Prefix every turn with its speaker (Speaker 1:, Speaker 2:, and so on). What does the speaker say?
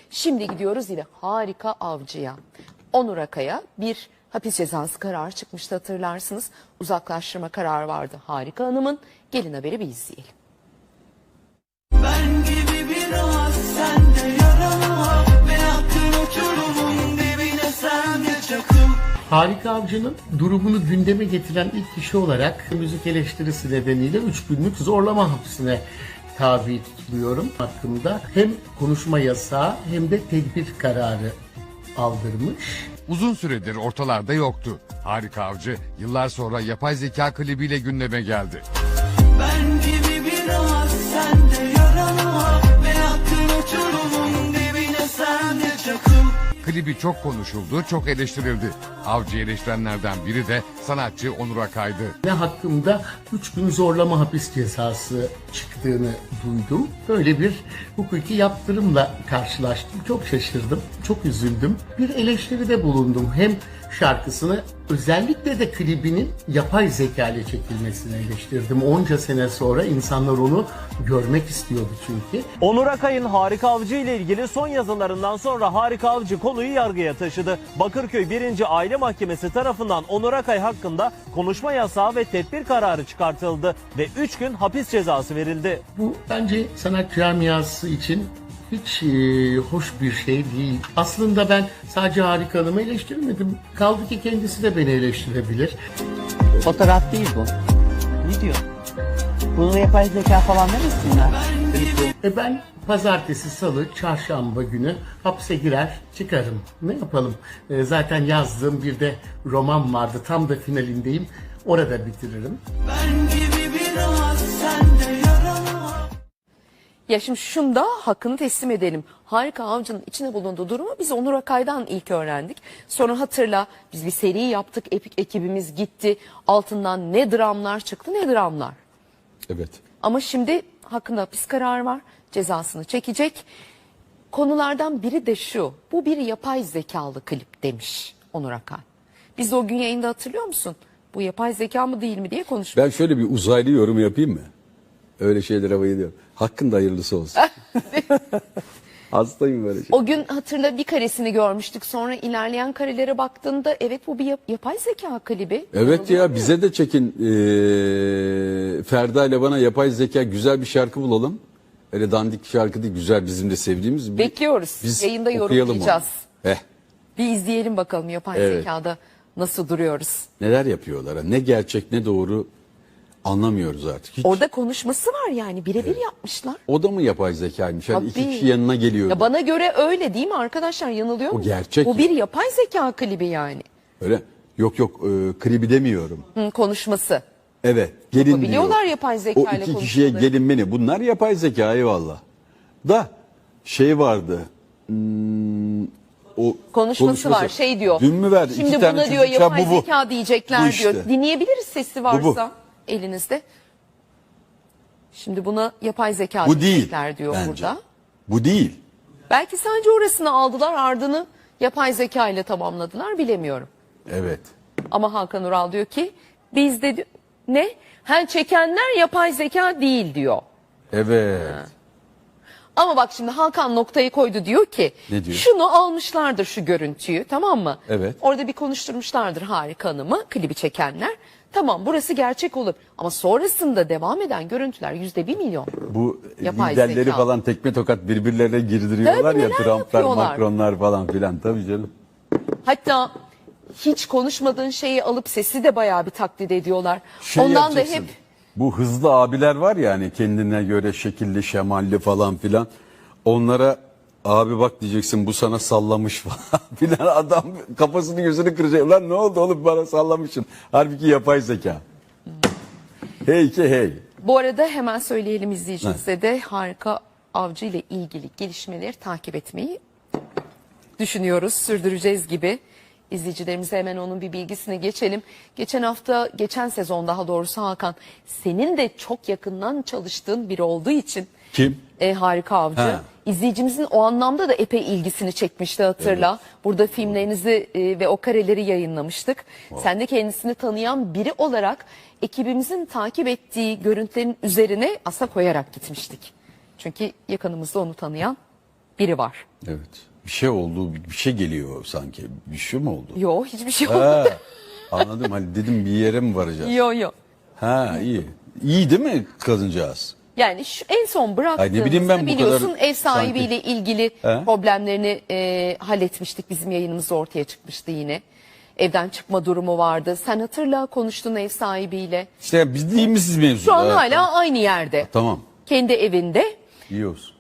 Speaker 1: Şimdi gidiyoruz yine Harika Avcı'ya. Onur Akay'a bir hapis cezası kararı çıkmıştı, hatırlarsınız. Uzaklaştırma kararı vardı Harika Hanım'ın. Gelin haberi bir izleyelim.
Speaker 2: Ben gibi biraz sende yaralı ve attın uçurumun dibine sen de çakıl.
Speaker 3: Harika Avcı'nın durumunu gündeme getiren ilk kişi olarak müzik eleştirisi nedeniyle 3 günlük zorlama hapsine tabi tutuluyorum hakkında. Hem konuşma yasağı hem de tedbir kararı aldırmış.
Speaker 4: Uzun süredir ortalarda yoktu. Harika Avcı yıllar sonra yapay zeka klibiyle gündeme geldi.
Speaker 2: Ben gibi biraz sende yaralı ve attın uçurumun dibine sen de çakıl.
Speaker 4: Klibi çok konuşuldu, çok eleştirildi. Avcı eleştirenlerden biri de sanatçı Onur Akay'dı.
Speaker 3: Ve hakkımda 3 gün zorlama hapis cezası çıktığını duydum. Böyle bir hukuki yaptırımla karşılaştım. Çok şaşırdım, çok üzüldüm. Bir eleştiride bulundum. Hem şarkısını özellikle de klibinin yapay zeka ile çekilmesini eleştirdim. Onca sene sonra insanlar onu görmek istiyordu çünkü.
Speaker 5: Onur Akay'ın Harika Avcı ile ilgili son yazılarından sonra Harika Avcı konuyu yargıya taşıdı. Bakırköy 1. Aile Mahkemesi tarafından Onur Akay hakkında konuşma yasağı ve tedbir kararı çıkartıldı ve 3 gün hapis cezası verildi.
Speaker 3: Bu bence sanat camiası için hiç hoş bir şey değil. Aslında ben sadece Harika Hanım'ı eleştirmedim. Kaldı ki kendisi de beni eleştirebilir.
Speaker 6: Fotoğraf değil bu. Ne diyor? Bunu yapay zeka falan demesinler.
Speaker 3: Ben pazartesi, salı, çarşamba günü hapse girer çıkarım. Ne yapalım? Zaten yazdığım bir de roman vardı. Tam da finalindeyim. Orada bitiririm.
Speaker 2: Ben gibi biraz sende yaralı.
Speaker 1: Ya şimdi şunda hakkını teslim edelim. Harika Avcı'nın içine bulunduğu durumu biz Onur Akay'dan ilk öğrendik. Sonra hatırla, biz bir seri yaptık. Ekibimiz gitti. Altından ne dramlar çıktı, ne dramlar.
Speaker 7: Evet.
Speaker 1: Ama şimdi hakkında hapis kararı var. Cezasını çekecek. Konulardan biri de şu. Bu bir yapay zekalı klip demiş Onur Akay. Biz de o gün yayında, hatırlıyor musun? Bu yapay zeka mı değil mi diye konuştuk.
Speaker 7: Ben şöyle bir uzaylı yorum yapayım mı? Öyle şeylere bayılıyorum. Hakkında hayırlısı olsun. Hastayım böyle şey.
Speaker 1: O gün hatırla bir karesini görmüştük. Sonra ilerleyen karelere baktığında evet bu bir yapay zeka klibi.
Speaker 7: Evet ya, bize de çekin. Ferda ile bana yapay zeka güzel bir şarkı bulalım. Öyle dandik şarkı değil, güzel, bizim de sevdiğimiz.
Speaker 1: Bekliyoruz.
Speaker 7: Biz
Speaker 1: Yayında
Speaker 7: okuyalım
Speaker 1: yorumlayacağız.
Speaker 7: onu.
Speaker 1: Bir izleyelim bakalım yapay
Speaker 7: Evet.
Speaker 1: zekada nasıl duruyoruz.
Speaker 7: Neler yapıyorlar? Ne gerçek ne doğru anlamıyoruz artık. Hiç.
Speaker 1: Orada konuşması var yani, birebir yapmışlar.
Speaker 7: O da mı yapay zekaymış? Hani iki
Speaker 1: Tabii.
Speaker 7: kişi yanına geliyor.
Speaker 1: Ya bana göre öyle değil mi arkadaşlar, yanılıyor
Speaker 7: O
Speaker 1: mu?
Speaker 7: gerçek.
Speaker 1: Bu bir yapay zeka klibi yani.
Speaker 7: Öyle. Yok klibi demiyorum.
Speaker 1: Konuşması.
Speaker 7: Evet. Gelin diyor.
Speaker 1: Yapabiliyorlar yapay zeka ile
Speaker 7: O iki kişiye
Speaker 1: konuşmaları.
Speaker 7: gelin beni. Bunlar yapay zeka, eyvallah. Da şey vardı. O
Speaker 1: Konuşması var, şey diyor.
Speaker 7: Dün mü verdi?
Speaker 1: Şimdi
Speaker 7: İki tane
Speaker 1: buna diyor
Speaker 7: çocuk,
Speaker 1: yapay
Speaker 7: bu.
Speaker 1: zeka diyecekler
Speaker 7: Bu işte.
Speaker 1: diyor. Dinleyebiliriz sesi varsa
Speaker 7: Bu.
Speaker 1: elinizde. Şimdi buna yapay zeka
Speaker 7: Bu değil.
Speaker 1: diyecekler diyor
Speaker 7: Bence.
Speaker 1: burada.
Speaker 7: Bu değil.
Speaker 1: Belki sadece orasını aldılar, ardını yapay zeka ile tamamladılar, bilemiyorum.
Speaker 7: Evet.
Speaker 1: Ama Hakan Ural diyor ki bizde ne? Çekenler yapay zeka değil diyor.
Speaker 7: Evet.
Speaker 1: Ama bak şimdi Hakan noktayı koydu, diyor ki
Speaker 7: Ne diyor?
Speaker 1: şunu almışlardır, şu görüntüyü, tamam mı?
Speaker 7: Evet.
Speaker 1: Orada bir konuşturmuşlardır Harika Hanım'ı, klibi çekenler. Tamam, burası gerçek olur ama sonrasında devam eden görüntüler %1 milyon.
Speaker 7: Bu
Speaker 1: Yapay
Speaker 7: liderleri
Speaker 1: zeka.
Speaker 7: falan tekme tokat birbirlerine girdiriyorlar
Speaker 1: Tabii,
Speaker 7: ya.
Speaker 1: neler
Speaker 7: Trump'lar,
Speaker 1: yapıyorlar.
Speaker 7: Macron'lar falan filan. Tabii canım.
Speaker 1: Hatta hiç konuşmadığın şeyi alıp sesi de bayağı bir taklit ediyorlar.
Speaker 7: Şey
Speaker 1: Ondan da
Speaker 7: yapacaksın.
Speaker 1: hep
Speaker 7: Bu hızlı abiler var ya, hani kendine göre şekilli şemalli falan filan. Onlara abi bak diyeceksin, bu sana sallamış falan filan. Adam kafasını gözünü kıracak. Lan ne oldu oğlum, bana sallamışsın. Halbuki yapay zeka. Hey ki hey.
Speaker 1: bu arada hemen söyleyelim izleyicimize de Harika Avcı ile ilgili gelişmeleri takip etmeyi düşünüyoruz, sürdüreceğiz gibi. İzleyicilerimize hemen onun bir bilgisini geçelim. Geçen sezon daha doğrusu Hakan, senin de çok yakından çalıştığın biri olduğu için.
Speaker 7: Kim?
Speaker 1: Harika Avcı.
Speaker 7: Ha.
Speaker 1: İzleyicimizin o anlamda da epey ilgisini çekmişti, hatırla. Evet. Burada filmlerinizi ve o kareleri yayınlamıştık. Wow. Sen de kendisini tanıyan biri olarak ekibimizin takip ettiği görüntülerin üzerine aslında koyarak gitmiştik. Çünkü yakınımızda onu tanıyan biri var.
Speaker 7: Evet. Bir şey oldu, bir şey geliyor sanki. Bir şey mi oldu?
Speaker 1: Yo, hiçbir şey
Speaker 7: Ha,
Speaker 1: olmadı.
Speaker 7: anladım. Hani dedim bir yere mi varacağız?
Speaker 1: Yo.
Speaker 7: Ha, iyi. İyi değil mi kadıncağız?
Speaker 1: Yani şu en son
Speaker 7: Ay, ne bileyim ben
Speaker 1: bıraktığımızda
Speaker 7: bu
Speaker 1: biliyorsun
Speaker 7: kadar
Speaker 1: ev sahibiyle
Speaker 7: sanki.
Speaker 1: ilgili
Speaker 7: He?
Speaker 1: problemlerini halletmiştik. Bizim yayınımızda ortaya çıkmıştı yine. Evden çıkma durumu vardı. Sen hatırla, konuştun ev sahibiyle.
Speaker 7: İşte biz değil misiniz mevzu?
Speaker 1: Şu an
Speaker 7: Evet,
Speaker 1: hala
Speaker 7: tamam.
Speaker 1: aynı yerde.
Speaker 7: Tamam.
Speaker 1: Kendi evinde.
Speaker 7: İyi olsun.